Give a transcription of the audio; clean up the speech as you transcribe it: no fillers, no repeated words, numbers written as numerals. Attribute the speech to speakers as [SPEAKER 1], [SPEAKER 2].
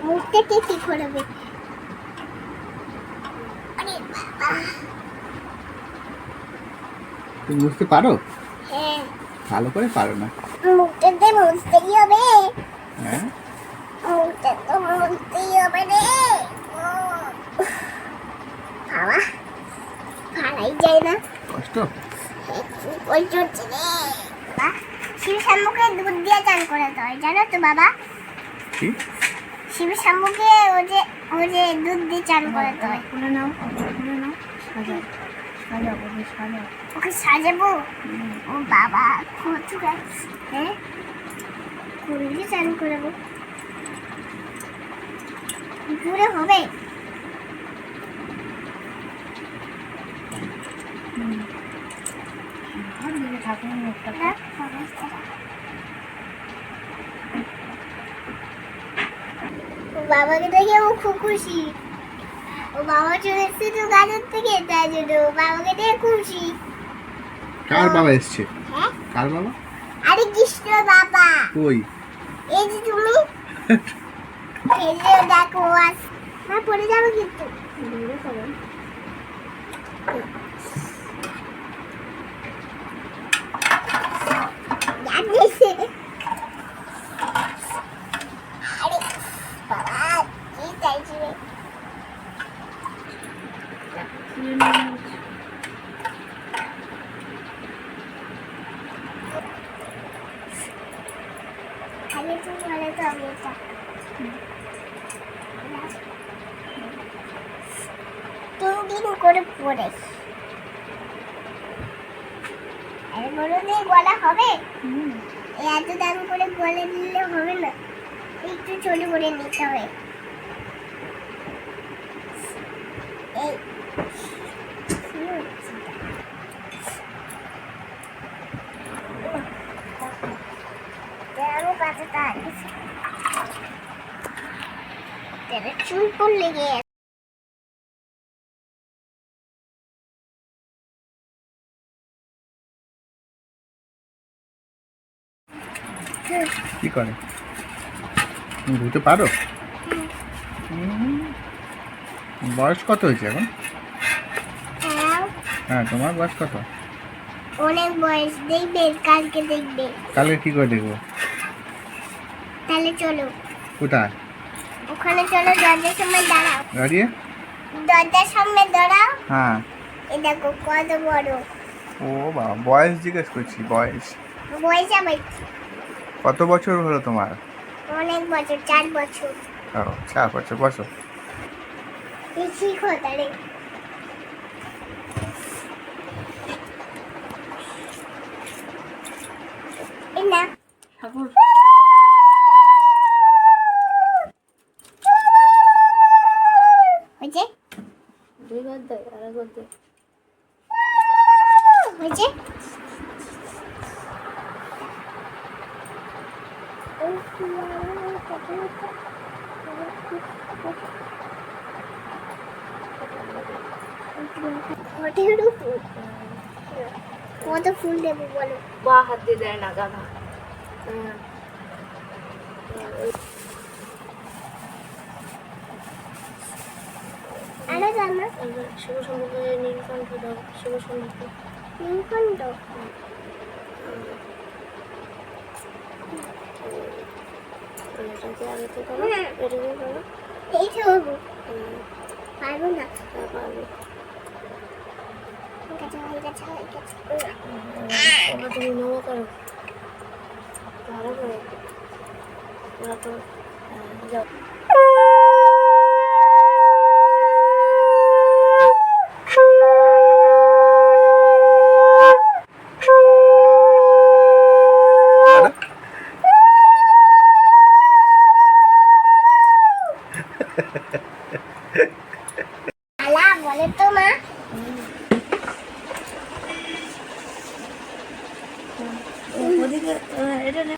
[SPEAKER 1] মুখ থেকে কি করবে? আরে বাবা,
[SPEAKER 2] তুমি বুঝতে পারো?
[SPEAKER 1] হ্যাঁ।
[SPEAKER 2] ভালো করে পারো না।
[SPEAKER 1] মুখটাতে মুছতেই হবে।
[SPEAKER 2] হ্যাঁ,
[SPEAKER 1] মুখটা তো মুছতেই হবে রে। বাবা, ভালাই যায় না।
[SPEAKER 2] কষ্ট।
[SPEAKER 1] ওই চলছে রে। বাবা, শিব শাম্বুকে দুধ দিয়ে চান করাতে হয়, জানো তো বাবা?
[SPEAKER 2] কি?
[SPEAKER 1] শিব শাম্বুকে ও যে দুধ দিয়ে চান করাতে হয়।
[SPEAKER 3] খুলে নাও, সাজাও,
[SPEAKER 1] ওকে সাজাবো? ও বাবা, কত গাছ। হ্যাঁ, কোন দিয়ে চান করাবো? পুরো হবে?
[SPEAKER 3] ঠাকুরের মুখটা
[SPEAKER 1] না, হবে না। ও বাবাকে দেখে ও খুব খুশি। ও বাবা চলে এসছে তো গাছের থেকে, তাই জন্য ও বাবাকে দেখে খুশি।
[SPEAKER 2] কার বাবা এসছে?
[SPEAKER 1] হ্যাঁ,
[SPEAKER 2] কার বাবা?
[SPEAKER 1] আরে কৃষ্ণ বাবা।
[SPEAKER 2] কই?
[SPEAKER 1] এই যে তুমি খেলে দেখো আস। হ্যাঁ, পড়ে যাবে কিন্তু।
[SPEAKER 3] দূরে করো।
[SPEAKER 1] জানিস? আরে বাবা, কি চাইছি রে?
[SPEAKER 3] খুলে নাও।
[SPEAKER 1] আগে তুমি বলে তো আমি এটা। তিন দিন করে পড়ে। আরে বলো দিয়ে গলা হবে? এত দাম করে গলে নিলে হবে না, একটু ছোট করে নিতে হবে। এই কি হচ্ছে এটা? আমি পাতাটা আনছি। তেরে চুল কোন লেগে আছে?
[SPEAKER 2] কি করে? তুমি ধুতে পারো? বয়স কত হয়েছে এখন?
[SPEAKER 1] হ্যাঁ,
[SPEAKER 2] হ্যাঁ, তোমার বয়স কত?
[SPEAKER 1] অনেক বয়স। দেখবে, কালকে দেখবে।
[SPEAKER 2] কালকে কি করে দেখবো?
[SPEAKER 1] তাহলে চলো
[SPEAKER 2] কোথায়?
[SPEAKER 1] ওখানে, চলো দরজার সামনে দাঁড়াও।
[SPEAKER 2] দাঁড়িয়ে?
[SPEAKER 1] দরজার সামনে দাঁড়াও।
[SPEAKER 2] হ্যাঁ।
[SPEAKER 1] এই দেখো কত বড়।
[SPEAKER 2] ও বাবা, বয়স জিজ্ঞেস করছি, বয়স
[SPEAKER 1] বয়স আমার
[SPEAKER 2] কত বছর হলো তোমার?
[SPEAKER 1] অনেক বছর, 4 বছর।
[SPEAKER 2] ও, 4 বছর। বসো।
[SPEAKER 1] এই শিখো তাহলে। এই না,
[SPEAKER 3] ঠাকুর
[SPEAKER 1] হয়েছে?
[SPEAKER 3] দুইবার দেয়, আরেকবার দেয়।
[SPEAKER 1] হয়েছে? কত ফুল দেবো বলো?
[SPEAKER 3] বা হাত দিয়ে দেয় না, গাধা।
[SPEAKER 1] আরো জানো?
[SPEAKER 3] শিব সম্পর্কে নীলকণ্ঠ দাও, শিব সম্পর্কে।
[SPEAKER 1] নীলকণ্ঠ।
[SPEAKER 3] এটাকে আগে থেকে করো, এটাকে করো।
[SPEAKER 1] এই তো হবো। পারবো না।
[SPEAKER 3] পারবে।
[SPEAKER 1] ঠিক আছে, হয়ে গেছে, হয়ে গেছে।
[SPEAKER 3] ওরা তুমি নমো করো, ভালো করো। ওরা তো যাও।